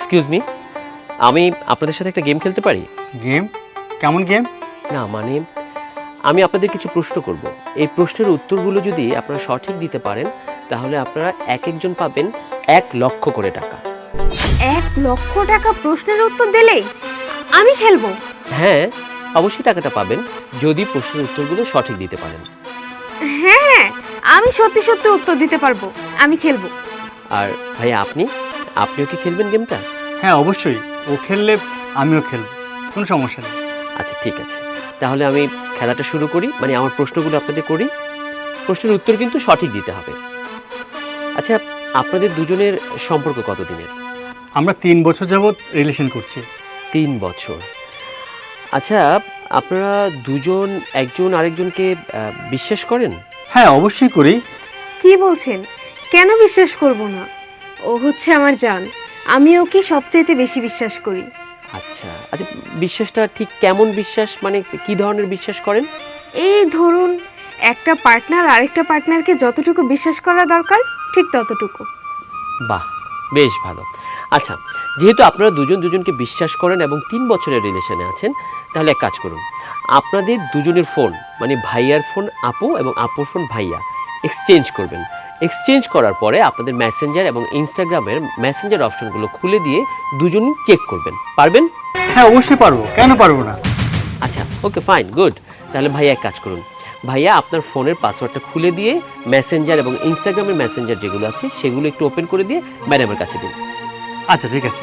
Excuse me, আমি আপনাদের সাথে একটা গেম খেলতে পারি? গেম? কেমন গেম? না মানে আমি আপনাদের কিছু প্রশ্ন করব। এই প্রশ্নের উত্তরগুলো যদি আপনারা সঠিক দিতে পারেন তাহলে আপনারা এক একজন পাবেন 1,00,000 করে টাকা। 1,00,000 টাকা প্রশ্নের উত্তর দিলেই আমি খেলবো? হ্যাঁ, অবশ্যই টাকাটা পাবেন যদি প্রশ্নের উত্তরগুলো সঠিক দিতে পারেন। হ্যাঁ, আমি সত্যি সত্যি উত্তর দিতে পারবো, আমি খেলবো। আর ভাইয়া আপনিও কি খেলবেন গেমটা? হ্যাঁ অবশ্যই, ও খেললে আমিও খেলবো, কোনো সমস্যা নেই। আচ্ছা ঠিক আছে, তাহলে আমি খেলাটা শুরু করি, মানে আমার প্রশ্নগুলো আপনাদের করি। প্রশ্নের উত্তর কিন্তু সঠিক দিতে হবে। আচ্ছা, আপনাদের দুজনের সম্পর্ক কতদিনের? আমরা 3 বছর যাবৎ রিলেশন করছি। 3 বছর। আচ্ছা, আপনারা দুজন একজন আরেকজনকে বিশ্বাস করেন? হ্যাঁ অবশ্যই করি। কি বলছেন? কেন বিশ্বাস করব না? ও হচ্ছে আমার জান, আমি ওকে সবচাইতে বেশি বিশ্বাস করি। আচ্ছা আচ্ছা, বিশ্বাসটা ঠিক কেমন বিশ্বাস, মানে কি ধরনের বিশ্বাস করেন? এই ধরুন, একটা পার্টনার আরেকটা পার্টনারকে যতটুকু বিশ্বাস করা দরকার ঠিক ততটুকু। বাহ, বেশ ভালো। আচ্ছা, যেহেতু আপনারা দুজন দুজনকে বিশ্বাস করেন এবং 3 বছরের রিলেশনে আছেন, তাহলে এক কাজ করুন, আপনাদের দুজনের ফোন, মানে ভাইয়ার ফোন আপু এবং আপুর ফোন ভাইয়া, এক্সচেঞ্জ করবেন। এক্সচেঞ্জ করার পরে আপনাদের মেসেঞ্জার এবং ইনস্টাগ্রামের মেসেঞ্জার অপশনগুলো খুলে দিয়ে দুজনই চেক করবেন। পারবেন? হ্যাঁ অবশ্যই পারবো, কেন পারবো না? আচ্ছা ওকে, ফাইন, গুড। তাহলে ভাইয়া এক কাজ করুন, ভাইয়া আপনার ফোনের পাসওয়ার্ডটা খুলে দিয়ে মেসেঞ্জার এবং ইনস্টাগ্রামের মেসেঞ্জার যেগুলো আছে সেগুলো একটু ওপেন করে দিয়ে ম্যাডামের কাছে দিন। আচ্ছা ঠিক আছে,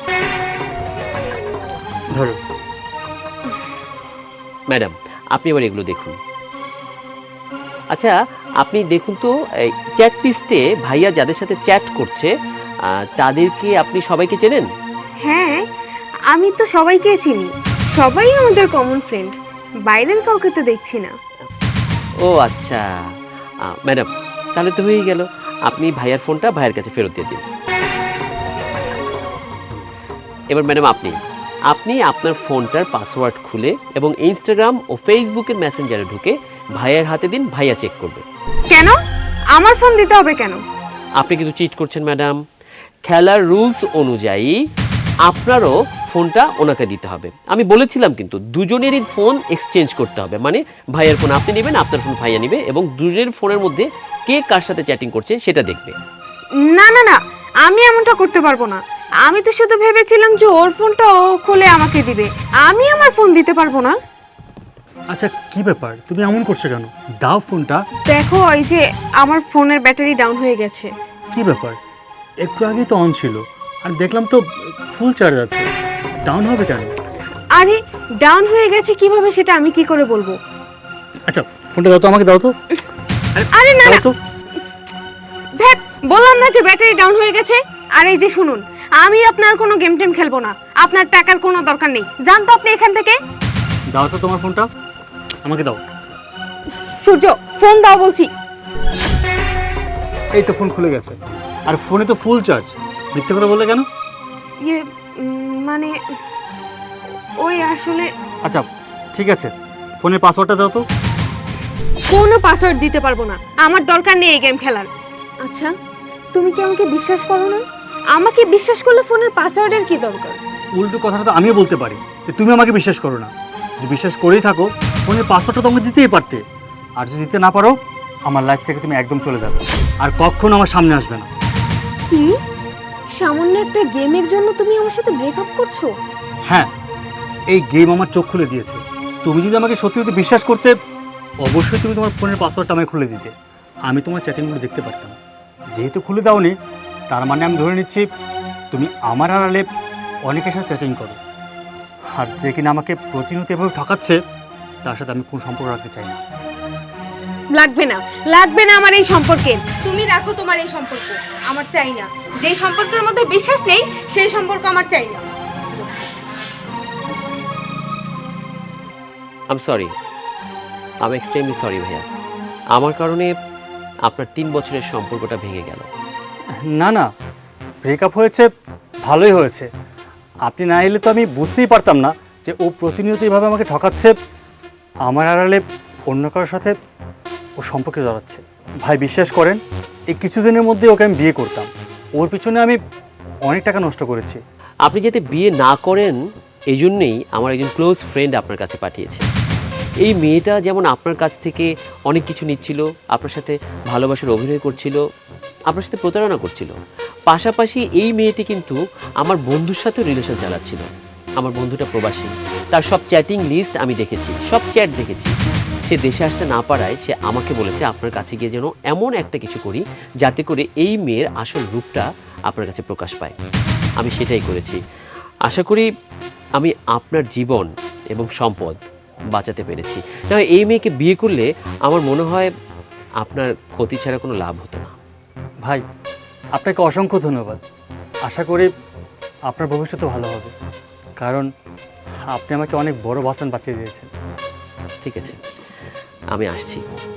ধরো। ম্যাডাম, আপনি এবার এগুলো দেখুন। আচ্ছা, আপনি দেখুন তো চ্যাট লিস্টে ভাইয়া যাদের সাথে চ্যাট করছে তাদেরকে আপনি সবাইকে চেনেন? হ্যাঁ, আমি তো সবাইকে চিনি, সবাই আমাদের কমন ফ্রেন্ড, বাইরের কাউকে তো দেখছি না। ও আচ্ছা, ম্যাডাম তাহলে তো হয়েই গেল। আপনি ভাইয়ার ফোনটা ভাইয়ের কাছে ফেরত দিয়ে দিন। এবার ম্যাডাম আপনি আপনি আপনার ফোনটার পাসওয়ার্ড খুলে এবং ইনস্টাগ্রাম ও ফেসবুকের মেসেঞ্জারে ঢুকে ভাইয়ার হাতে দিন, ভাইয়া চেক করবে। কেন আমার ফোন দিতে হবে কেন? আপনি কিন্তু চিট করছেন ম্যাডাম। খেলার রুলস অনুযায়ী আপনারও ফোনটা ওনাকে দিতে হবে। আমি বলেছিলাম কিন্তু দুজনেরই ফোন এক্সচেঞ্জ করতে হবে, মানে ভাইয়ের ফোন আপনি নেবেন, আপনার ফোন ভাইয়া নেবে এবং দুজনের ফোনের মধ্যে কে কার সাথে চ্যাটিং করছে সেটা দেখবে। না না না, আমি এমনটা করতে পারবো না। আমি তো শুধু ভেবেছিলাম যে ওর ফোনটা ও খুলে আমাকে দিবে, আমি আমার ফোন দিতে পারবো না। আচ্ছা কি ব্যাপার, তুমি এমন করছো কেন? দাও ফোনটা। দেখো, এই যে আমার ফোনের ব্যাটারি ডাউন হয়ে গেছে। কি ব্যাপার, একটু আগেই তো অন ছিল আর দেখলাম তো ফুল চার্জ আছে, ডাউন হবে কেন? আরে ডাউন হয়ে গেছে কিভাবে সেটা আমি কি করে বলবো? আচ্ছা ফোনটা দাও তো, আমাকে দাও তো। আরে না না, দাও তো। দেখ বললাম না যে ব্যাটারি ডাউন হয়ে গেছে। আর এই যে শুনুন, আমি আপনার কোনো গেম টেম খেলবো না, আপনার টাকার কোনো দরকার নেই, যান তো আপনি এখান থেকে। দাও তো তোমার ফোনটা, আমাকে দাও। সূর্য, ফোন দাও বলছি। এই তো ফোন খুলে গেছে, আর ফোনে তো ফুল চার্জ। মিথ্যে কথা বললে কেন? ইয়ে মানে ওই আসলে আচ্ছা ঠিক আছে, ফোনের পাসওয়ার্ডটা দাও তো। কোনো পাসওয়ার্ড দিতে পারবো না, আমার দরকার নেই এই গেম খেলার। আচ্ছা, তুমি কি আমাকে বিশ্বাস করো না? আমাকে বিশ্বাস করলে ফোনের পাসওয়ার্ডের কি দরকার? উল্টো কথাটা তো আমিও বলতে পারি যে তুমি আমাকে বিশ্বাস করো না। যদি বিশ্বাস করেই থাকো, ফোনের পাসওয়ার্ডটা তোমাকে দিতেই পারতে। আর যদি দিতে না পারো, আমার লাইফ থেকে তুমি একদম চলে যাবে, আর কখনো আমার সামনে আসবে না। কি সামান্য একটা গেমের জন্য তুমি আমার সাথে ব্রেকআপ করছো? হ্যাঁ, এই গেম আমার চোখ খুলে দিয়েছে। তুমি যদি আমাকে সত্যি সত্যি বিশ্বাস করতে, অবশ্যই তুমি তোমার ফোনের পাসওয়ার্ডটা আমায় খুলে দিতে, আমি তোমার চ্যাটিংগুলো দেখতে পারতাম। যেহেতু খুলে দাওনি, তার মানে আমি ধরে নিচ্ছি তুমি আমার আড়ালে অনেকের সাথে চ্যাটিং করো। আর যে কিনা আমাকে প্রতিনিয়ত এভাবে ঠকাচ্ছে, তার সাথে আমি কোনো সম্পর্ক রাখতে চাই না। লাগবে না, লাগবে না আমার এই সম্পর্কে। তুমি রাখো তোমার এই সম্পর্ক, আমার চাই না। যে সম্পর্কের মধ্যে বিশ্বাস নেই সেই সম্পর্ক আমার চাই না। আম সরি, আমি এক্সট্রিমলি সরি ভাইয়া। আমার কারণে আপনার 3 বছরের সম্পর্কটা ভেঙে গেল। না না, ব্রেকআপ হয়েছে, ভালোই হয়েছে। আপনি না এলে তো আমি বুঝতেই পারতাম না যে ও প্রতিনিয়ত এইভাবে আমাকে ঠকাচ্ছে, আমার আড়ালে অন্য কারোর সাথে ও সম্পর্কে জড়াচ্ছে। ভাই বিশ্বাস করেন, এই কিছুদিনের মধ্যে ওকে আমি বিয়ে করতাম। ওর পিছনে আমি অনেক টাকা নষ্ট করেছি। আপনি যাতে বিয়ে না করেন এই জন্যেই আমার একজন ক্লোজ ফ্রেন্ড আপনার কাছে পাঠিয়েছে। এই মেয়েটা যেমন আপনার কাছ থেকে অনেক কিছু নিচ্ছিল, আপনার সাথে ভালোবাসার অভিনয় করছিল, আপনার সাথে প্রতারণা করছিল, পাশাপাশি এই মেয়েটি কিন্তু আমার বন্ধুর সাথেও রিলেশন চালাচ্ছিল। আমার বন্ধুটা প্রবাসী, তার সব চ্যাটিং লিস্ট আমি দেখেছি, সব চ্যাট দেখেছি। সে দেশে আসতে না পারায় সে আমাকে বলেছে আপনার কাছে গিয়ে যেন এমন একটা কিছু করি যাতে করে এই মেয়ের আসল রূপটা আপনার কাছে প্রকাশ পায়। আমি সেটাই করেছি। আশা করি আমি আপনার জীবন এবং সম্পদ বাঁচাতে পেরেছি। না হয় এই মেয়েকে বিয়ে করলে আমার মনে হয় আপনার ক্ষতি ছাড়া কোনো লাভ হতো না। ভাই, আপনাকে অসংখ্য ধন্যবাদ। আশা করি আপনার ভবিষ্যৎ ভালো হবে, কারণ আপনি আমাকে অনেক বড় বাঁচান বাঁচিয়ে দিয়েছেন। ঠিক আছে, আমি আসছি।